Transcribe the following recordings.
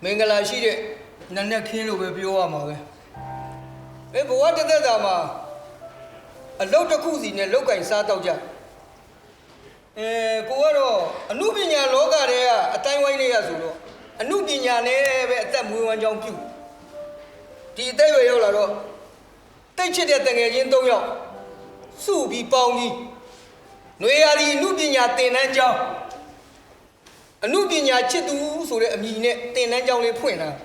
င်္ဂလာရှိတဲ့နတ်နဲ့ခင်းလို့ပဲပြောရမှာပဲဘဝတစ်သက်တာမှာအလုတ်တစ်ခုစီနဲ့လောက်ကင်စားတော့ကြကိုကတော့အမှုပညာလောကထဲကအတိုင်းဝိုင်းနေရဆိုတော့အမှုပညာနဲ့ပဲအသက်မွေးဝမ်းကြောင်းပြုဒီအသက်ရွယ်ရောက်လာတော့တိတ်ချစ်တဲ့တငယ်ချင်း၃ယောက်စုပြီးပေါင်းပြီးຫນွေရာဒီအမှုပညာသင်တန်းကျောင်းအမှုပညာချစ်သူဆိုတဲ့အမည်နဲ့သင်တန်းကျောင်းလေးဖွင့်လာ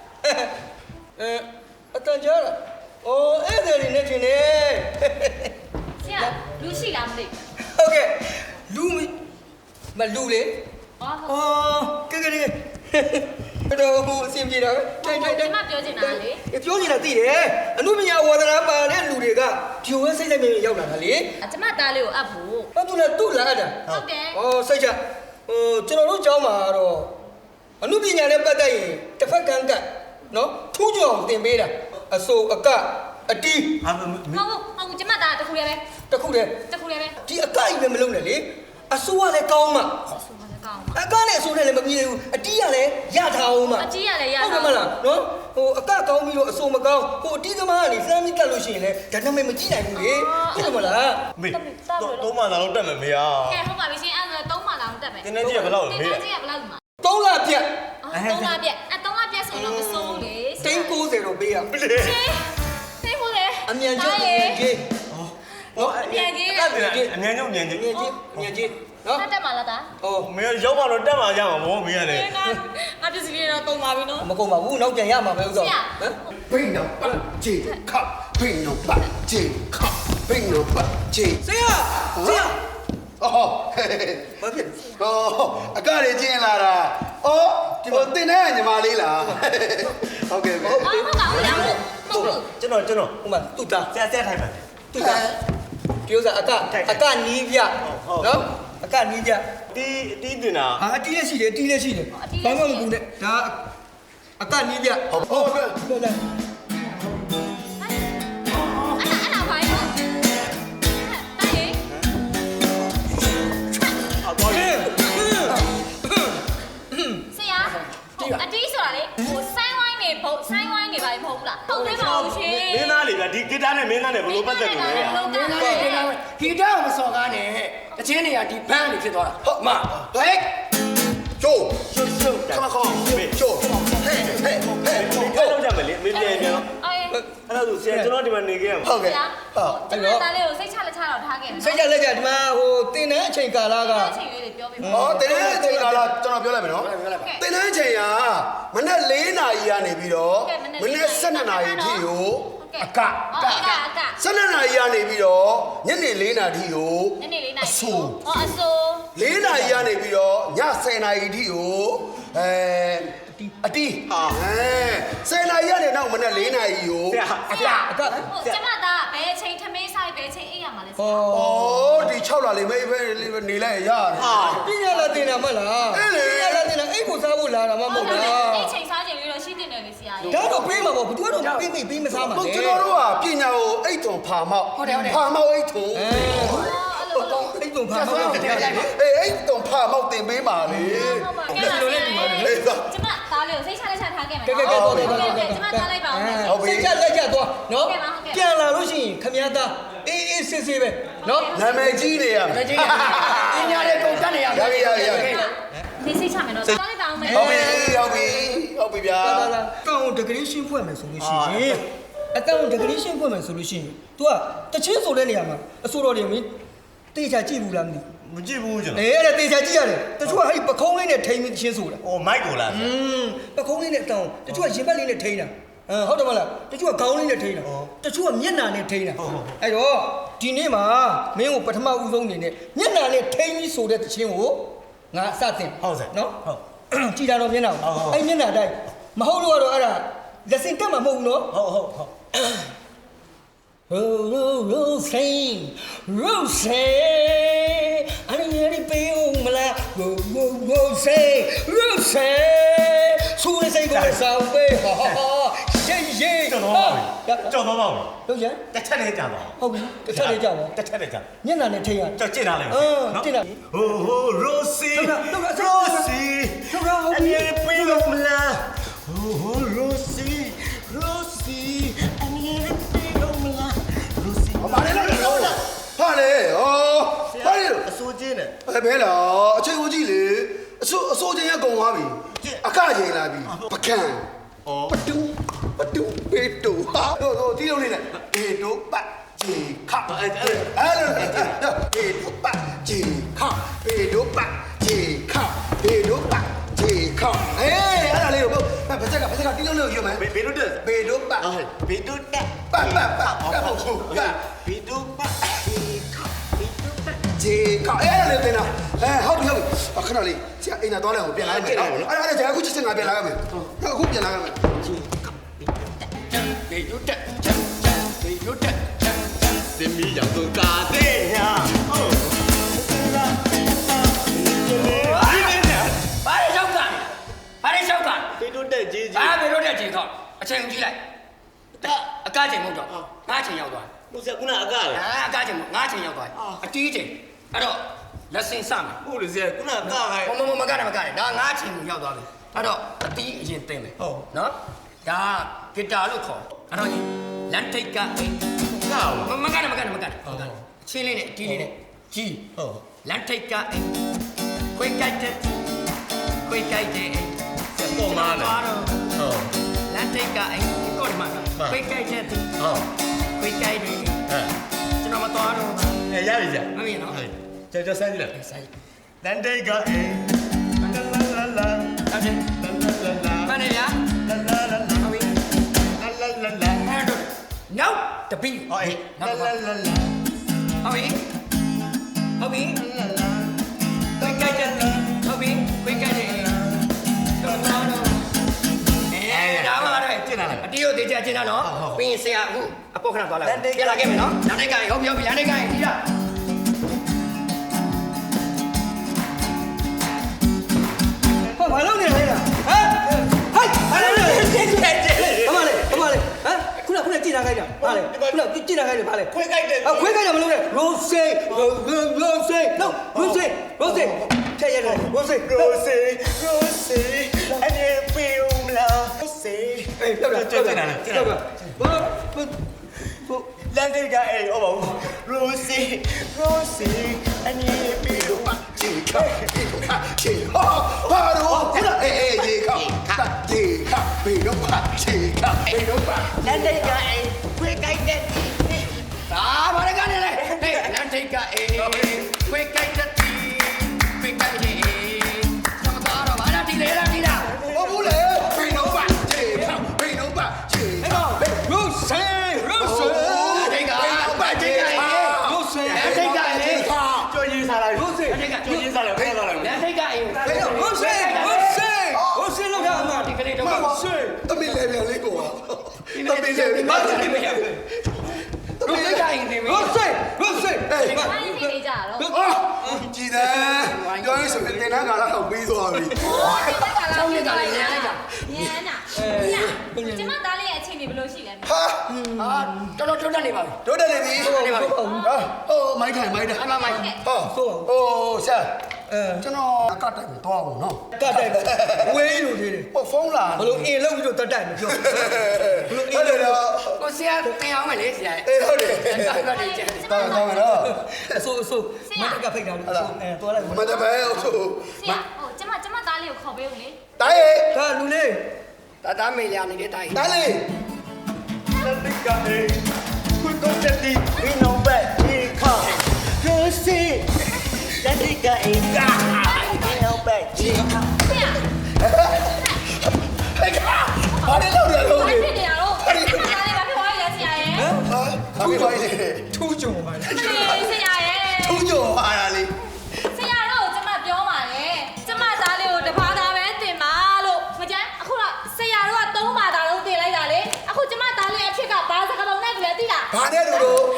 အတန်ကြားလားအဲ့ဒါလေးနဲ့ထင်တယ်ဆရာလူရှိလားမသိဟုတ်ကဲ့လူမလူလေကဲဘယ်တော့ဘုအစီအပြေတာပဲကျွန်မပြောချင်တာလေပြောချင်တာသိတယ်အမှုပညာဝါသနာပါတဲ့လူတွေကဒီဝဲစိတ်လိုက်မြင်ရောက်လာတာလေကျွန်မသားလေးကိုအပ်ဖို့သူ့လာအပ်တာဟုတ်တယ်စိတ်ချကျွန်တော်တို့ကျောင်းမှာတော့အမှုပညာနဲ့ပတ်သက်ရင်တစ်ဖက်ကန်းကတ်နော်ထူးချောင်သင်ပေးတာအစိုးအကအတီးဟုတ်ကျွန်မသားတခုတည်းပဲတခုတည်းဒီအကကြီးပဲမလုံးနဲ့လေအစိုးကလည်းကောင်းမှအကနဲ့အစိုးနဲ့လည်းမပြေဘူးအတီးကလည်းရထားအောင်မှအတီးကလည်းရထားဟုတ်ကဲ့မလားနော်အကကောင်းပြီးတော့အစိုးမကောင်းအတီးသမားကနေလှမ်းပြီးကတ်လို့ရှိရင်လည်းဒါနာမည်မကြည့်နိုင်ဘူးလေဟုတ်ကဲ့မလားမေသုံးမှလာတော့တက်မယ်မေယာကဲဟုတ်ပါပြီရှင်အဲ့ဒါ3မှလာတော့တက်မယ်တင်းနေကြီးကဘယ်လောက်လဲမေယာတင်းနေကြီးကဘယ်လောက်လဲ 3လပြတ် 3လပြတ်3လပြတ်ဆိုတော့မစိုးလေတင်း90တော့ပေးရရှင်သိဖို့လေအမြန်ကြီးအမြန်ကြီးအမြန်ကြီးနော်တက်မှာလားတာမေရောက်ပါတော့တက်မှာကြမှာဗောမေကလည်းငါပစ္စည်းလေးတော့တုံပါပြီနော်မကုန်ပါဘူးနောက်ပြန်ရမှာပဲဥစ္စာဟမ်ဘိန်းတော့ပတ်ချေခပ်ဘိန်းတော့ပတ်ချေခပ်ဘိန်းတော့ပတ်ချေဆရာဘာဖြစ်အကလေးကျင်းလာတာဒီတင်တဲ့ညီမလေးလားဟုတ်ကဲ့ပဲဟုတ်ပါဘူးကျွန်တော်ဟိုမှာတူတာဆက်ထိုင်ပါတူတာဒီဥစ္စာအကနီးပြနော်အကနီးပြတီးတင်တာအတီးလည်းရှိတယ်ဘာမှမကူနဲ့ဒါအကနီးပြဟုတ်ကဲ့အဲ့ဘာလဲဆရာအတီးဆိုတာလေဆိုင်းဝိုင်းနေပါမဟုတ်ဘူးလားဟုတ်တယ်ပါဘူးရှင်မင်းသားလေဗျဒီဂီတာနဲ့မင်းသားနဲ့ဘယ်လိုပတ်သက်လို့လဲဂီတာမစော်ကားနဲ့တချင်းတွေကဒီဘန်းတွေဖြစ်သွားတာဟုတ်မဟဲ့ချိုးခမခေါချိုးဟဲ့လောက်ကြမယ်လေမင်းပြန်အဲ့ဒါဆိုဆရာကျွန်တော်ဒီမှာနေခဲ့ရမှာဟုတ်ကဲ့ကျွန်တော်သားလေးကိုစိတ်ချလက်ချတော့ထားခဲ့တယ်စိတ်ချလက်ချဒီမှာတင်တဲ့အချိန်ကာလကအချိန်လေးတွေပြောပေးပါတင်တဲ့အချိန်ကာလကျွန်တော်ပြောလိုက်မယ်နော်တင်တဲ့အချိန်ကမနေ့4နာရီကနေပြီးတော့မနေ့12နာရီထိကိုအက12နာရီကနေပြီးတော့ညနေ4နာရီကိုအဆို 4နာရီကနေပြီးတော့ည10နာရီထိကိုအတီး10နာရီကနေနောက်မနေ့4နာရီကိုအကကျွန်မသားဘယ်ချိန်ထမင်းဆိုင်ဘယ်ချိန်အိပ်ရမှာလဲဒီ6လလေးမေးပဲနေလိုက်ရတယ်ပညာလာတင်တာမလားပညာလာတင်တာအိတ်ကိုစားဖို့လာတာမဟုတ်လားအိတ်ချိန်စားချိန်လေးတော့ရှိတင်တယ်လေဆရာဒါတော့ပေးမှာပေါ့ဘသူကတော့ပေးမစားမှာလေကျွန်တော်တို့ကပညာကိုအိတ်တုံဖာမောက်ဖာမောက်အိတ်တုံအိတ်တုံဖာမောက်အိတ်တုံဖာမောက်တင်ပေးပါလေကျွန်မသားလေးကိုစိတ်ချလက်ချထားခဲ့မယ်ကျွန်မသားလိုက်ပါဦးစိတ်ချလက်ချသွားနော်ပြန်လာလို့ရှိရင်ခမည်းသားအေးစစ်စစ်ပဲနော်နာမည်ကြီးနေရမယ်ပညာလေးကုန်တတ်နေရမယ်ရနေစိတ်ချမယ်နော်သားလိုက်ပါဦးမယ်ဟုတ်ပြီဗျာကောင်းဒဂရီရှင်းဖွဲ့မယ်ဆိုလို့ရှိရင်အတောင်ဒဂရီရှင်းဖွဲ့မယ်ဆိုလို့ရှိရင် तू ကတချင်းဆိုတဲ့နေရာမှာအစိုးရတွေမင်းတေချာကြည့်ဘူးလားမသိမကြည့်ဘူးကျွန်တော်အဲ့ဒါတေချာကြည့်ရတယ်တချို့ကအဲ့ပခုံးလေးနဲ့ထိန်းပြီးတချင်းဆိုတာမိုက်ကိုလားပခုံးလေးနဲ့တောင်းတချို့ကရင်ဘတ်လေးနဲ့ထိန်းတာဟုတ်တယ်မလားတချို့ကခေါင်းလေးနဲ့ထိန်းတာတချို့ကမျက်နှာနဲ့ထိန်းတာအဲ့တော့ဒီနေ့မှာမင်းကိုပထမဦးဆုံးအနေနဲ့မျက်နှာနဲ့ထိန်းပြီးဆိုတဲ့တချင်းကိုငါစတင်ဟုတ်စဲနော်ဟုတ်ကြည်တာတော့မျက်နှာအဲ့မျက်နှာတိုင်းမဟုတ်လို့ကတော့အဲ့ဒါလက်စင်တက်မှာမဟုတ်ဘူးနော်ဟုတ် Rose, I need to be home, Rose, so let's go somewhere. Yeah. ကြောက်တော့ပါဘူးလို့ရတစ်ချက်လေးကြာပါဟုတ်ပြီတစ်ချက်လေးကြာပါတစ်ချက်လေးကြာမျက်နှာနဲ့ထိရကြောက်ကျင်လာလေနော်ကျင်လာ Rosie အမြဲပေးလို့မလားဘာလဲလို့ဟာလေဟောဘာလဲလို့အစိုးချင်းနဲ့ဘယ်လားအချိန်ဦးကြီးလေအစိုးချင်းရကုန်သွားပြီအခချိန်လာပြီပကံပတူပေတူဟာတို့တီးလုံးလေးနဲ့ပေတူပတ်ဂျီခအဲ့လိုပေတူပတ်ဂျီခပေတူပတ်ဂျီခပေတူပတ်ဂျီခအေးအဲ့ဒါလေးကိုဘာစက်ကတီးလုံးလေးကိုယူမယ်ဘေတို့တက်ပေတူပတ်ဘေတို့တက်ပတ်ဘေတို့ပတ်ဂျီခအဲ့ဒါလေးတင်တာဟုတ်ပြီခဏလေးဆရာအိမ်သာသွားလိုက်အောင်ပြန်လာမယ်နော်အဲ့ဒါကြာအခုချက်ချင်းငါပြန်လာရမယ်အခုပြန်လာရမယ်ဂျီဘေတို့တက်ဘေတို့တက်စင်မီရောက်တော့ကာတဲ့ညာဟုတ်ဘာလဲရှောက်ကဘေတို့တက်ကြီးဘာဘေတို့တက်ကြီးခေါအချိန်ကြည့်လိုက်အကားချိန်မဟုတ်တော့ငါးချိန်ရောက်သွားဘုရားကုနာအကားလေအကားချိန်မဟုတ်ငါးချိန်ရောက်သွားအတီးချိန်အဲ့တော့လက်စင်စမယ်ဟုတ်လေဆရာကုနာအကားဟဲ့မကတယ်ဒါငါးချိန်ကိုရောက်သွားပြီအဲ့တော့အတီးအရင်သိမ့်မယ်နော်ဒါဂီတာလို့ခေါ်အဲ့တော့လန်ထိတ်ကအိမ်မကတယ်ချင်းလေးနဲ့အတီးလေးနဲ့ကြီးလန်ထိတ်ကအိမ်ခွေးကြိုက်တဲ့အိမ်ပေါ်မှာလေဟုတ်လန်ထိတ်ကအိမ်ကိုဒီမှာခွေးကြိုက်တဲ့ခွေးကြိုက်တယ်ကျွန်တော်မတော်တော့ဘူးရပြီကြာမမြင်နော်ကျော်ဆန်းကြည့်လိုက်ဆိုင်တန်တိတ်ကအေးလာလာလာအဲ့ဒါမနေရလာလာလာဟုတ်ပြီလာလာလာလာအဲ့တော့နောက်တပီးအေးလာလာလာလာဟုတ်ပြီခွေးကြိုက်တဲ့ဟုတ်ပြီခွေးကြိုက်တဲ့တော့တော့ဒါမှမဟုတ်ကျင်းလာလိုက်အတီးကိုတေးချကျင်းတာနော်ပြီးရင်ဆရာအခုအပေါ်ခဏသွားလိုက်ပြန်လာခဲ့မယ်နော်လမ်းတိုင်းကဟုတ်ပြီလမ်းတိုင်းကဒီလားဟောဘာလုပ်နေလဲဟမ်ဟိုက်ဘာလုပ်နေလဲဘာမလဲဟမ်ခုနကြည့်လာခိုင်းတာဘာလဲခုနကြည့်လာခိုင်းတယ်ဘာလဲခွေးကြိုက်တယ်ခွေးခိုင်းတာမလုပ်နဲ့ရိုဆေထည့်ရတယ်ရိုဆေရိုစီအနေပြေဦးမလားရိုစီအေးလောက်တာဘာလန်တိတ်ကအေးဟောပါဦးရိုစီအနေပြေဦးမဂျီခဂျီဟာတို့ခဏအေးဂျီခပေတူပတ်ဂျီခပေတူပတ်လန်တိတ်ကအေးခွေးကြိုက်တဲ့ဒါဘာလဲကနေလဲဟေးလမ်းထိတ်ကအေးခွေးကြိုက်တဲ့ခွေးကြိုက်တဲ့ကျွန်တော်တော့ဘာလာတီလေလားတီလားဘာဘူးလဲပေတူပတ်ဂျီခပေတူပတ်ဂျီခရိုဆေထိတ်ကပတ်ထိတ်ကရိုဆေထိတ်ကအေးကျော်ရင်းစားလိုက်ရိုစီကျော်ရင်းစားလိုက်ဖဲသွားလိုက်လမ်းထိတ်ကအေးရိုဆေလောက်တာမှာဒီကလေးတော့ရိုဆေတမီလေပြန်လေးကိုပါတမီလေဘာလို့ဒီမရဘူးရိုဆေကအေးနေပြီရိုဆေဒီမှာဘာလို့နေကြတာတော့အော်ကြည်တယ်ပြောရဆိုရင်တင်နာကာလာတော့ပြီးသွားပြီဆောင်းနေတာလည်းညံတာကျမသားလေးရဲ့အချိန်တွေဘယ်လိုရှိလဲဟာတော်တော်တွတ်နေပါပြီတို့တယ်နေပြီဟာဟိုမိုက်ထိုင်အမမိုက်ဟောဟိုဆရာကျွန်တော်အကတိုက်ကိုသွားအောင်နော်တတ်တိုက်ဝေးလို့သေးတယ်ဟိုဖုန်းလာဘလို့အင်လောက်ပြီးတော့တတ်တိုက်မပြောဟုတ်တယ်တော့ကိုဆရာတင်အောင်မလေးဆရာအေးဟုတ်တယ်တော့နေကြတောင်းတော့အဆိုမတက်ကဖိတ်တာလို့ဆိုသွားလိုက်မတပယ်ဟုတ်ဆရာဟိုကျမသားလေးကိုခေါ်ပေးဦးလေတိုင်းဒါလူလေးတာမေးရနေတဲ့တိုင်းတိုင်းလေးလန်တိတ်ကအေးခွေးကိုတက်ဒီဘင်းအောင်ပဲဒီခါရိုစီလန်တိတ်ကအေးကာဘင်းအောင်ပဲဒီခါဆရာဟဲ့ကဘာလဲလို့လဲလို့ဘာဖြစ်နေရတော့ကျမသားလေးဘာဖြစ်သွားလဲဆရာရဲ့ဟာဘာဖြစ်လဲထူးကြုံပါလေဆရာရဲ့ထုံးကြော်ပါလားလေဆရာတော့ကျမပြောပါလေကျမသားလေးကိုတပါးသားပဲတင်ပါလို့မကြမ်းအခုတော့ဆရာတို့က3ပါးသားလုံးတင်လိုက်တာလေအခုကျမသားလေးအဖြစ်ကဘာစကားလုံးနဲ့တူလဲသိလားဘာနဲ့လို့